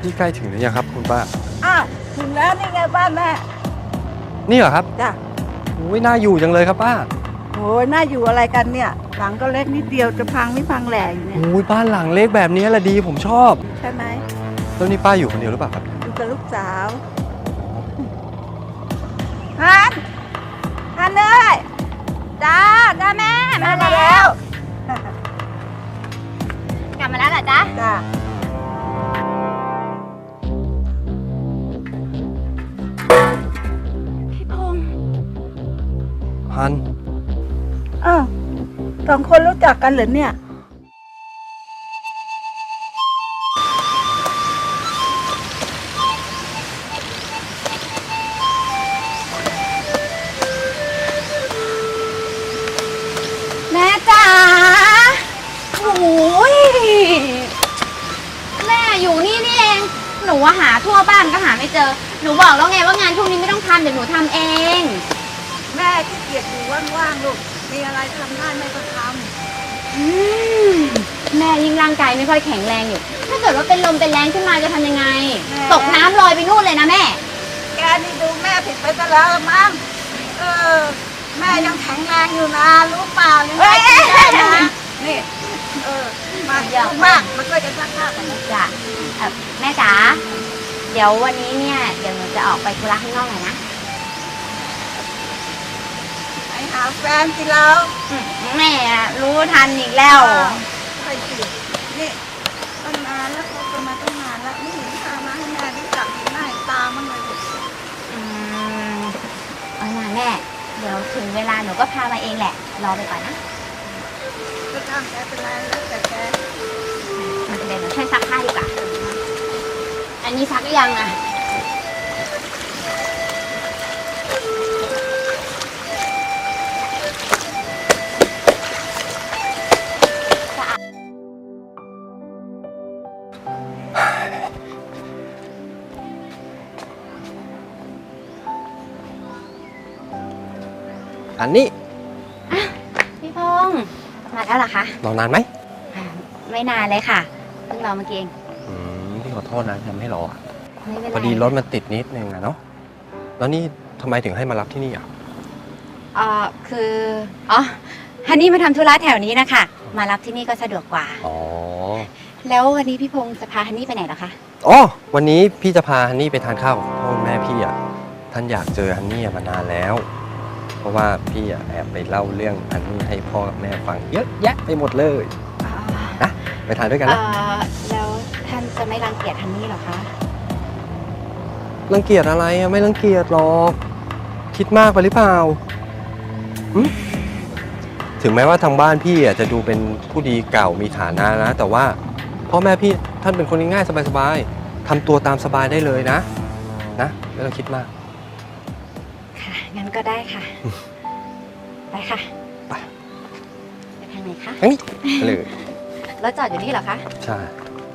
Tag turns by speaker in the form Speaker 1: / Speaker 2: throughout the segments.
Speaker 1: นี่ใกล้ถึงหรือยังครับคุณป้า
Speaker 2: อ้าวถึงแล้วนี่ไงบ้านแม่
Speaker 1: นี่เหรอครับ
Speaker 2: จ้ะ
Speaker 1: โอ้ยน่าอยู่จังเลยครับป้า
Speaker 2: โอ้ยน่าอยู่อะไรกันเนี่ยหลังก็เล็กนิดเดียวจะพังไม่พังแหล่อยู่เนี่ย
Speaker 1: โอ้ยบ้านหลังเล็กแบบนี้แหละดีผมชอบ
Speaker 2: ใช่ไหม
Speaker 1: แล้วนี่ป้าอยู่คนเดียวหรือเปล่าครับ
Speaker 2: อยู่กับลูกสาวฮันเลย
Speaker 3: จ้าแม่มาแล้ว กลับมาแล้วเหรอจ๊ะ
Speaker 2: จ้า
Speaker 3: พี่พงษ์
Speaker 1: ฮัน
Speaker 2: อ้าวสองคนรู้จักกันเหรอเนี่ย
Speaker 3: แม่จ๋าโอ้ยแม่อยู่นี่เองหนูหาทั่วบ้านก็หาไม่เจอหนูบอกแล้วไงว่างานพวกนี้ไม่ต้องทำเดี๋ยวหนูทำเอง
Speaker 2: แม่ขี้เกียจอยู่ว่างๆลูกมีอะไรทำได้แม่ก็ท
Speaker 3: แม่ยิ่งร่างกายไม่ค่อยแข็งแรงอยู่ถ้าเกิดว่าเป็นลมเป็นแรงขึ้นมาจะทำยังไงตกน้ำลอยไปนู่นเลยนะแม่
Speaker 2: แกนี่ดูแม่ผิดไปซะแล้วมั้งแม่ยังแข็งแรงอยู่นะรู้เปล่ายังไงได้นะนี่มาเยอะมากมันก็จะซักผ้ากันนะ
Speaker 3: จ้ะแม่จ๋าเดี๋ยววันนี้เนี่ยเดี๋ยวหนูจะออกไปธุระข้างนอกหน่อยนะ
Speaker 2: ไปหาแฟนสิเรา
Speaker 3: แม่รู้ทันอีกแล้ว
Speaker 2: ไปสินี่ตั้งนานแล้วเขาจะมาตั้งนานแล้วนี่เห็นพามาให้แม่ได้จับหน้าตามันเลย
Speaker 3: เอาล่ะแม่เดี๋ยวถึงเวลาหนูก็พามาเองแหละรอไปก่อนนะ
Speaker 2: ก็ตามแกเป็นไรแล้วแต่แก
Speaker 3: เดี๋ยวหนูช่วยซักผ้าดีกว่าอันนี้ซักหรือยังอ่ะ
Speaker 1: อันนี้
Speaker 3: พี่พงษ์มาแล้วเหรอคะ
Speaker 1: รอนานไหม
Speaker 3: ไม่นานเลยค่ะเพิ่งรอเมื่อกี้เอง
Speaker 1: พี่ขอโทษนะทำให้รอ
Speaker 3: ไม่เป็นไร
Speaker 1: พอดีรถมันติดนิดนึงอะเนาะแล้วนี่ทำไมถึงให้มารับที่นี่อ่ะ
Speaker 3: คือฮันนี่มาทำธุระแถวนี้นะคะมารับที่นี่ก็สะดวกกว่าแล้ววันนี้พี่พงษ์จะพาฮันนี่ไปไหนเหรอคะ
Speaker 1: วันนี้พี่จะพาฮันนี่ไปทานข้าวกับพ่อแม่พี่อ่ะท่านอยากเจอฮันนี่มานานแล้วเพราะว่าพี่แอบไปเล่าเรื่องฮันนี่ให้พ่อกับแม่ฟังเยอะแยะไปหมดเลยนะไปทานด้วยกันนะ
Speaker 3: แล้วท่านจะไม่รังเกียจฮันนี่หรอคะ
Speaker 1: รังเกียจอะไรไม่รังเกียจหรอกคิดมากไปหรือเปล่าถึงแม้ว่าทางบ้านพี่จะดูเป็นผู้ดีเก่ามีฐานะนะแต่ว่าพ่อแม่พี่ท่านเป็นคนง่ายสบายๆทำตัวตามสบายได้เลยนะไม่ต้องคิดมาก
Speaker 3: ค่ะงั้นก็ได้ค่ะไปค่ะไปทางไหนคะ
Speaker 1: ทางนี้เลย
Speaker 3: รถจอดอยู่นี่เหรอคะ
Speaker 1: ใช่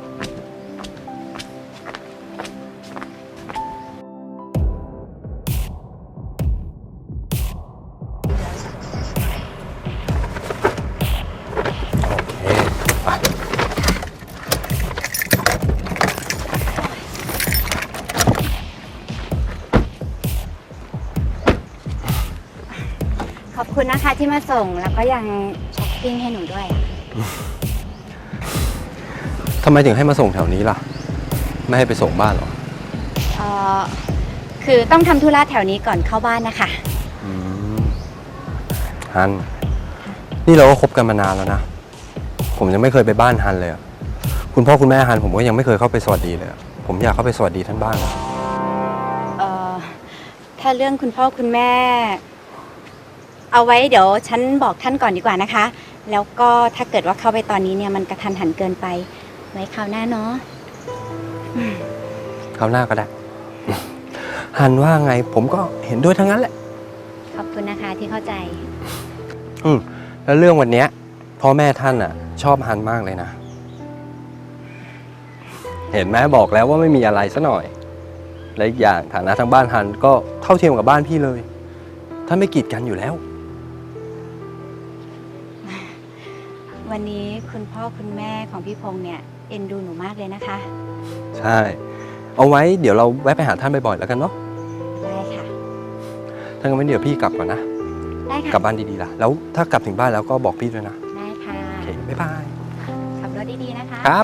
Speaker 3: ขอบคุณนะคะที่มาส่งแล้วก็ยังช้อปปิ้งให้หนูด้วย
Speaker 1: ทำไมถึงให้มาส่งแถวนี้ล่ะไม่ให้ไปส่งบ้านหรอ
Speaker 3: คือต้องทำธุระแถวนี้ก่อนเข้าบ้านนะคะ
Speaker 1: ฮันนี่เราก็คบกันมานานแล้วนะผมยังไม่เคยไปบ้านฮันเลยคุณพ่อคุณแม่ฮันผมก็ยังไม่เคยเข้าไปสวัสดีเลยผมอยากเข้าไปสวัสดีท่านบ้าง
Speaker 3: ถ้าเรื่องคุณพ่อคุณแม่เอาไว้เดี๋ยวฉันบอกท่านก่อนดีกว่านะคะแล้วก็ถ้าเกิดว่าเข้าไปตอนนี้เนี่ยมันกระทันหันเกินไปไว้คราวหน้าเนาะ
Speaker 1: คราวหน้าก็ได้ฮันว่าไงผมก็เห็นด้วยทั้งนั้นแหละ
Speaker 3: ขอบคุณนะคะที่เข้าใจ
Speaker 1: แล้วเรื่องวันนี้พ่อแม่ท่านชอบฮันมากเลยนะเห็นไหมบอกแล้วว่าไม่มีอะไรซะหน่อยและอีกอย่างฐานะทางบ้านฮันก็เท่าเทียมกับบ้านพี่เลยท่านไม่กีดกันอยู่แล้ว
Speaker 3: วันนี้คุณพ่อคุณแม่ของพี่พงษ์เนี่ยเอ็นดูหนูมากเลยนะคะ
Speaker 1: ใช่เอาไว้เดี๋ยวเราแวะไปหาท่านบ่อยๆแล้วกันเนาะ
Speaker 3: ได้ค่ะ
Speaker 1: ถ้างั้นเดี๋ยวพี่กลับก่อนนะ
Speaker 3: ได้
Speaker 1: กลั
Speaker 3: ค่ะ
Speaker 1: บบ้านดีๆล่ะ แล้วถ้ากลับถึงบ้านแล้วก็บอกพี่ด้วยนะ
Speaker 3: ได้ค่ะ
Speaker 1: โอเค บ๊ายบาย
Speaker 3: ขับรถดีๆนะคะ
Speaker 1: ครับ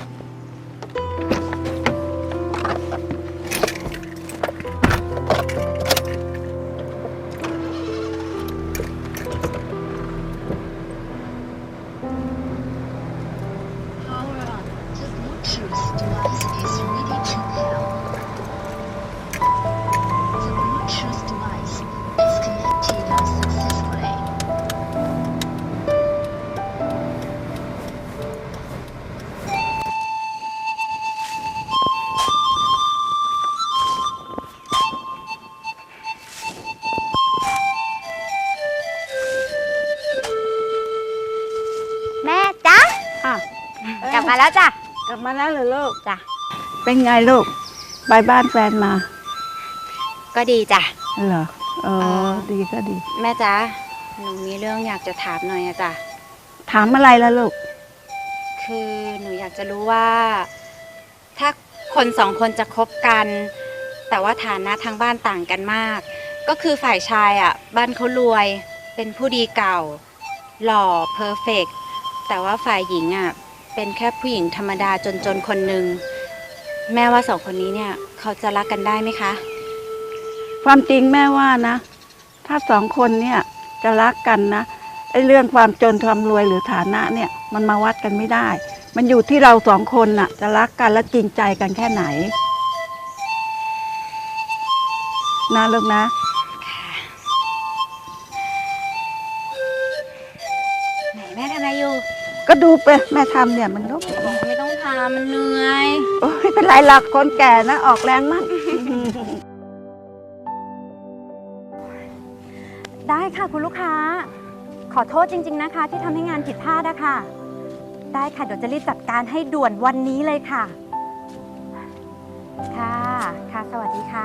Speaker 4: Power on. The Bluetooth device is ready to pair. The Bluetooth device is connected successfully.
Speaker 3: แม่จ๊ะ
Speaker 2: ค่ะ
Speaker 3: กลับมาแล้วจ้ะ
Speaker 2: กลับมาแล้วเหรอลูก
Speaker 3: จ้ะ
Speaker 2: เป็นไงลูกไปบ้านแฟนมา
Speaker 3: ก็ดีจ้ะ
Speaker 2: เหรอเอ
Speaker 3: เอ่
Speaker 2: อ
Speaker 3: อ
Speaker 2: ดีก็ดี
Speaker 3: แม่จ๊ะ หนูมีเรื่องอยากจะถามหน่อยอะจ้ะ
Speaker 2: ถามอะไรล่ะลูก
Speaker 3: คือหนูอยากจะรู้ว่า ถ้าคนสองคนจะคบกัน แต่ว่าฐานะทางบ้านต่างกันมาก ก็คือฝ่ายชายอ่ะ บ้านเขารวย เป็นผู้ดีเก่า หล่อเพอร์เฟกต์แต่ว่าฝ่ายหญิงอ่ะ เป็นแค่ผู้หญิงธรรมดาจนๆคนหนึ่งแม่ว่าสองคนนี้เนี่ย เขาจะรักกันได้ไหมคะ
Speaker 2: ความจริงแม่ว่านะ ถ้าสองคนเนี่ยจะรักกันนะไอ้เรื่องความจนความรวยหรือฐานะเนี่ยมันมาวัดกันไม่ได้ มันอยู่ที่เราสองคนน่ะ จะรักกันและจริงใจกันแค่ไหนนะลูกนะ
Speaker 3: ไหนแม่ทำอะไรอยู่
Speaker 2: ก็ดูไปแม่ทำเนี่ยมันก็
Speaker 3: ไม่ต้องทำมันเหนื่อย
Speaker 2: โอ้ยไม่เป็นไรหรอกคนแก่นะออกแรงมั่ง
Speaker 3: ได้ค่ะคุณลูกค้า ขอโทษจริง ๆนะคะ ที่ทำให้งานผิดพลาดอะค่ะ ได้ค่ะเดี๋ยวจะรีบจัดการให้ด่วนวันนี้เลยค่ะ ค่ะ ค่ะ สวัสดีค่ะ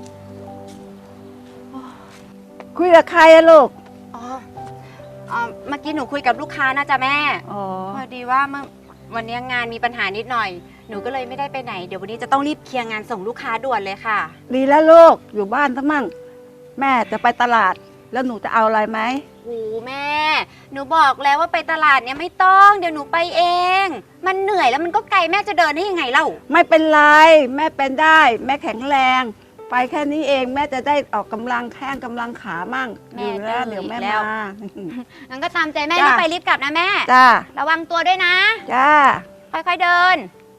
Speaker 2: คุยกับใครอะลูก
Speaker 3: อ๋อเมื่อกี้หนูคุยกับลูกค้านะจ๊ะแม่
Speaker 2: อ๋อ
Speaker 3: พอดีว่าเมื่อวันนี้งานมีปัญหานิดหน่อย หนูก็เลยไม่ได้ไปไหน เดี๋ยววันนี้จะต้องรีบเคลียร์งานส่งลูกค้าด่วนเลยค่ะ
Speaker 2: ดีแล้วลูกอยู่บ้านทั้งมั่งแม่จะไปตลาด แล้วหนูจะเอาอะไรไหม
Speaker 3: โอ้แม่ หนูบอกแล้วว่าไปตลาดเนี่ยไม่ต้อง เดี๋ยวหนูไปเอง มันเหนื่อยแล้วมันก็ไกลแม่จะเดินได้ยังไงเล่า
Speaker 2: ไม่เป็นไรแม่เป็นได้ แม่แข็งแรง ไปแค่นี้เองแม่จะได้ออกกำลังแข้งกำลังขามั่ง
Speaker 3: แม่
Speaker 2: อยู่แล้ว
Speaker 3: ดื้อ
Speaker 2: เดี๋ยวแม่
Speaker 3: อีกแล้ว
Speaker 2: มา
Speaker 3: งั้นก็ตามใจแม่
Speaker 2: จ้ะ
Speaker 3: รีบไปรีบกลับนะแม่
Speaker 2: จ้า
Speaker 3: ระวังตัวด้วยนะ
Speaker 2: จ้า
Speaker 3: ค่อยๆเดิน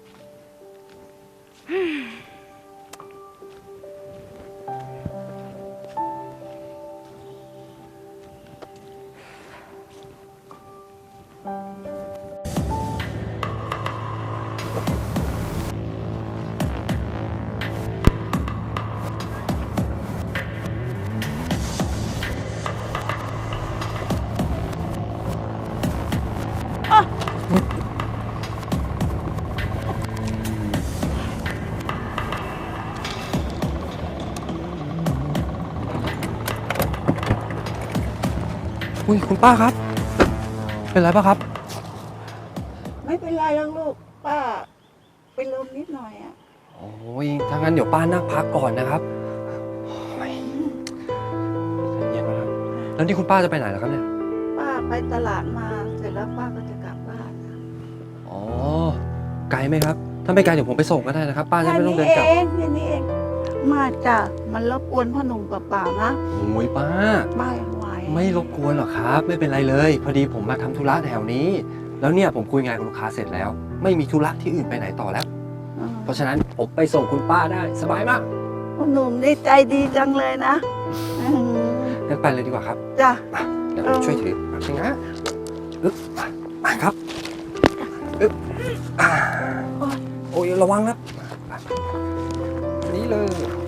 Speaker 1: อุ้ยคุณป้าครับ เป็นไรป่ะครับ
Speaker 2: ไม่เป็นไรหรอกลูกป้าเป็นลมนิดหน่อยอ่ะ
Speaker 1: โอ้ยถ้างั้นเดี๋ยวป้านั่งพักก่อนนะครับโอ้ยใจเย็นนะครับ แล้วนี่คุณป้าจะไปไหนล่ะครับเนี่ย
Speaker 2: ป้าไปตลาดมาเสร็จแล้วป้าก็จะกลับบ้าน
Speaker 1: อ๋อ ไกลไหมครับ ถ้าไม่ไกลเดี๋ยวผมไปส่งก็ได้นะครับ ป้าจะไม่ต้องเดินกลับ
Speaker 2: แค่นี้เองมาจ้ะมันรบกวนพ่อหนุ่มเปล่าๆนะ
Speaker 1: โอ้ยป้า
Speaker 2: ไม่ไหว
Speaker 1: ไม่รบกวนหรอกครับ ไม่เป็นไรเลย พอดีผมมาทำธุระแถวนี้ แล้วเนี่ยผมคุยงานกับลูกค้าเสร็จแล้ว ไม่มีธุระที่อื่นไปไหนต่อแล้ว เพราะฉะนั้นผมไปส่งคุณป้าได้สบายมาก
Speaker 2: พ่อหนุ่มนี่ใจดีจังเลยนะอืม
Speaker 1: งั้นไปเลยดีกว่าครับ
Speaker 2: จ้ะ
Speaker 1: มาเดี๋ยวผมช่วยถือแป๊บนึงนะอึ๊บมาครับอึ๊บอ่าโอ้ยระวังนะมานี่เลย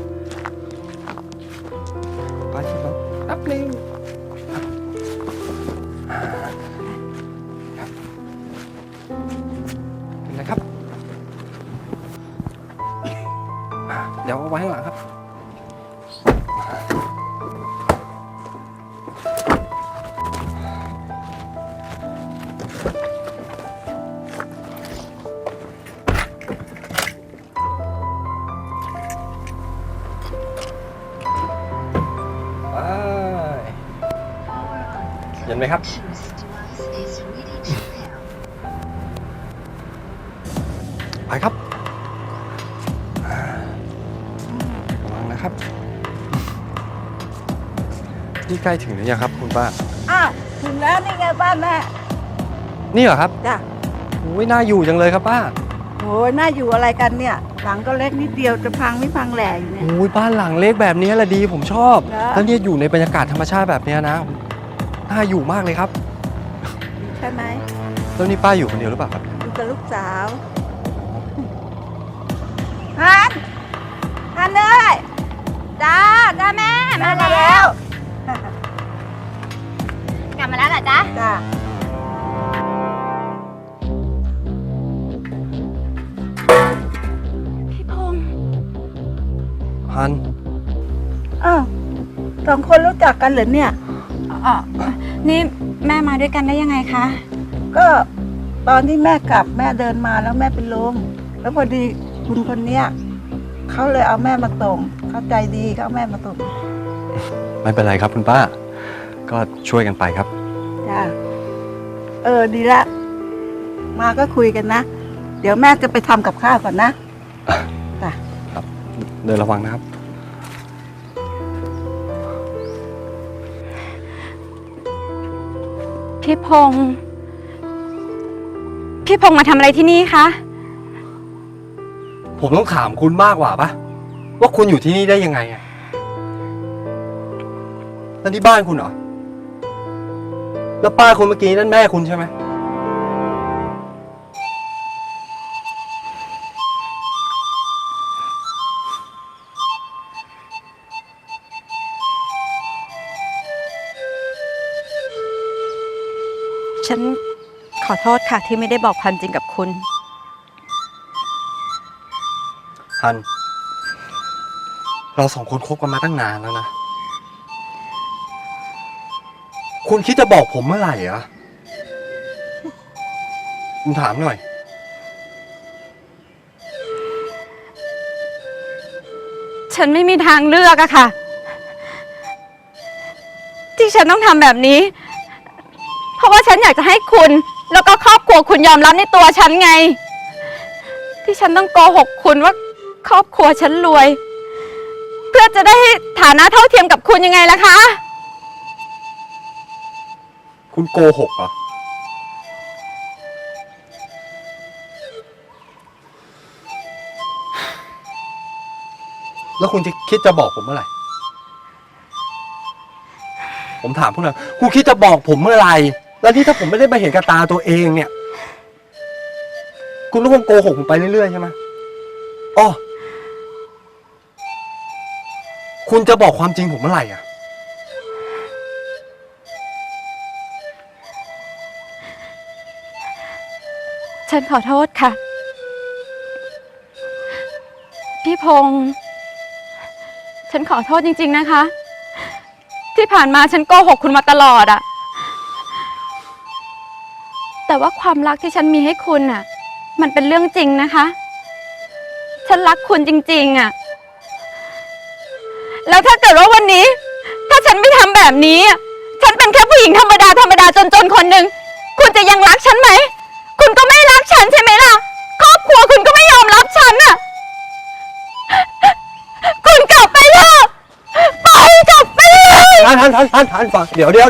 Speaker 1: ไปที่รถแป๊บนึงครับเป็นไรครับเดี๋ยวเอาไว้ข้างหลังครับห็นไหมครับ
Speaker 4: Bluetooth device is ready to pair.
Speaker 1: ไปครับระวังนะครับ นี่ใกล้ถึงหรือยังครับคุณป้า
Speaker 2: อ้าวถึงแล้วนี่ไงบ้านแม่
Speaker 1: นี่เหรอครับ
Speaker 2: จ้ะ
Speaker 1: โอ้ยน่าอยู่จังเลยครับป้า
Speaker 2: โอ้ยน่าอยู่อะไรกันเนี่ย หลังก็เล็กนิดเดียวจะพังไม่พังแหล่อยู่เนี่ย
Speaker 1: โอ้ยบ้านหลังเล็กแบบนี้แหละดีผมชอบ
Speaker 2: เหรอ
Speaker 1: แล้วเนี่ยอยู่ในบรรยากาศธรรมชาติแบบเนี้ยนะน่าอยู่มากเลยครับ
Speaker 2: ใช่ไหม
Speaker 1: แล้วนี่ป้าอยู่คนเดียวหรือเปล่าครับ
Speaker 2: อยู่กับลูกสาวฮันเลย
Speaker 3: จ้าแม่มาแล้ว กลับมาแล้วเหรอจ๊ะ
Speaker 2: จ้า
Speaker 3: พี่พงษ์
Speaker 1: ฮัน
Speaker 2: อ้าวสองคนรู้จักกันเหรอเนี่ย
Speaker 3: อ๋อนี่แม่มาด้วยกันได้ยังไงคะ
Speaker 2: ก็ตอนที่แม่กลับแม่เดินมาแล้วแม่เป็นลมแล้วพอดีคุณคนเนี้ยเขาเลยเอาแม่มาส่งเขาใจดีเขาเอาแม่มาส่ง
Speaker 1: ไม่เป็นไรครับคุณป้า ก็ช่วยกันไปครับ
Speaker 2: จ้าดีละ มาก็คุยกันนะ เดี๋ยวแม่จะไปทำกับข้าวก่อนนะจ้ะ
Speaker 1: ครับเดินระวังนะครับ
Speaker 3: พี่พงษ์มาทำอะไรที่นี่คะ
Speaker 1: ผมต้องถามคุณมากกว่าปะว่าคุณอยู่ที่นี่ได้ยังไงอะนั่นที่บ้านคุณเหรอ แล้วป้าคนเมื่อกี้นั่นแม่คุณใช่ไหม
Speaker 3: ฉันขอโทษค่ะที่ไม่ได้บอกความจริงกับคุณ
Speaker 1: ฮัน เราสองคนคบกันมาตั้งนานแล้วนะ คุณคิดจะบอกผมเมื่อไหร่อะผมถามหน่อย
Speaker 3: ฉันไม่มีทางเลือกอะค่ะ ที่ฉันต้องทำแบบนี้ เพราะว่าฉันอยากจะให้คุณ แล้วก็ครอบครัวคุณยอมรับในตัวฉันไง ที่ฉันต้องโกหกคุณว่าครอบครัวฉันรวย เพื่อจะได้ฐานะเท่าเทียมกับคุณยังไงล่ะคะ
Speaker 1: คุณโกหกเหรอ แล้วคุณจะคิดจะบอกผมเมื่อไหร่ ผมถามคุณหน่อยคุณคิดจะบอกผมเมื่อไหร่ แล้วนี่ถ้าผมไม่ได้มาเห็นกับตาตัวเองเนี่ย คุณก็คงโกหกผมไปเรื่อยๆใช่ไหมอ๋อคุณจะบอกความจริงผมเมื่อไหร่อ่ะ
Speaker 3: ฉันขอโทษค่ะ พี่พงษ์ฉันขอโทษจริงๆนะคะ ที่ผ่านมาฉันโกหกคุณมาตลอดอะแต่ว่าความรักที่ฉันมีให้คุณอะมันเป็นเรื่องจริงนะคะ ฉันรักคุณจริงๆอะแล้วถ้าเกิดว่าวันนี้ ถ้าฉันไม่ทำแบบนี้อะฉันเป็นแค่ผู้หญิงธรรมดาจนๆคนหนึ่งคุณจะยังรักฉันไหม คุณก็ไม่รักฉันใช่ไหมล่ะ ครอบครัวคุณก็ไม่ยอมรับฉันอะคุณกลับไปเถอะไปกลับไปเลย
Speaker 1: ทันฟังเดี๋ยวใจ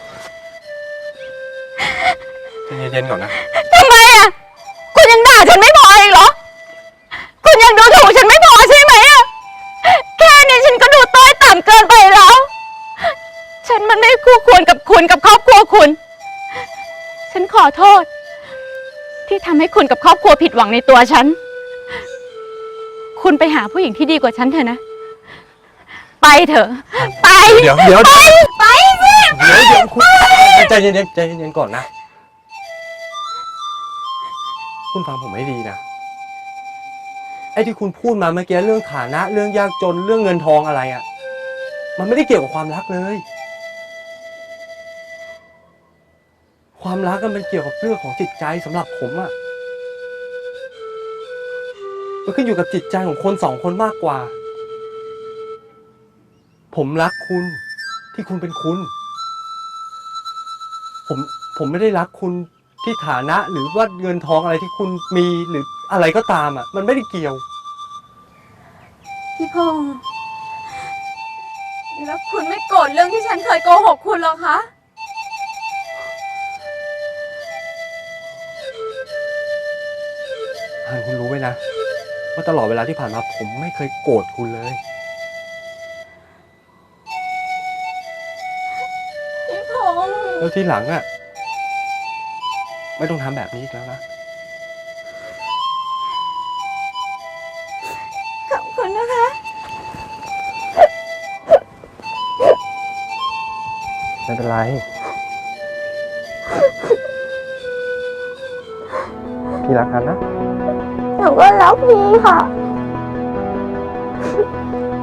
Speaker 1: เย็นๆก่อนนะ
Speaker 3: ทำไมอะคุณยังด่าฉันไม่พออีกเหรอ คุณยังดูถูกฉันไม่พอใช่ไหมอะแค่นี้ฉันก็ดูต้อยต่ำเกินไปแล้ว ฉันมันไม่คู่ควรกับคุณกับครอบครัวคุณ ฉันขอโทษ ที่ทำให้คุณกับครอบครัวผิดหวังในตัวฉัน คุณไปหาผู้หญิงที่ดีกว่าฉันเถอะนะ ไปเถอะ ไป
Speaker 1: เดี๋ยว
Speaker 3: ไปสิ
Speaker 1: คุณใจเย็นก่อนนะ คุณฟังผมให้ดีนะ ไอ้ที่คุณพูดมาเมื่อกี้เรื่องฐานะเรื่องยากจนเรื่องเงินทองอะไรอ่ะ มันไม่ได้เกี่ยวกับความรักเลย ความรักมันเกี่ยวกับเรื่องของจิตใจสำหรับผมอ่ะ มันขึ้นอยู่กับจิตใจของคนสองคนมากกว่า ผมรักคุณที่คุณเป็นคุณผมไม่ได้รักคุณที่ฐานะหรือว่าเงินทองอะไรที่คุณมีหรืออะไรก็ตามอ่ะมันไม่ได้เกี่ยว
Speaker 3: พี่พงษ์แล้วคุณไม่โกรธเรื่องที่ฉันเคยโกหกคุณหรอคะ
Speaker 1: ฮันคุณรู้ไหมนะว่าตลอดเวลาที่ผ่านมาผมไม่เคยโกรธคุณเลย
Speaker 3: พี่พงษ์
Speaker 1: แล้วที่หลังอ่ะไม่ต้องทำแบบนี้อีกแล้วนะ
Speaker 3: ขอบคุณนะคะ
Speaker 1: ไม่เป็นไร พี่รักกันนะ
Speaker 3: หนูก็รักพี่ค่ะ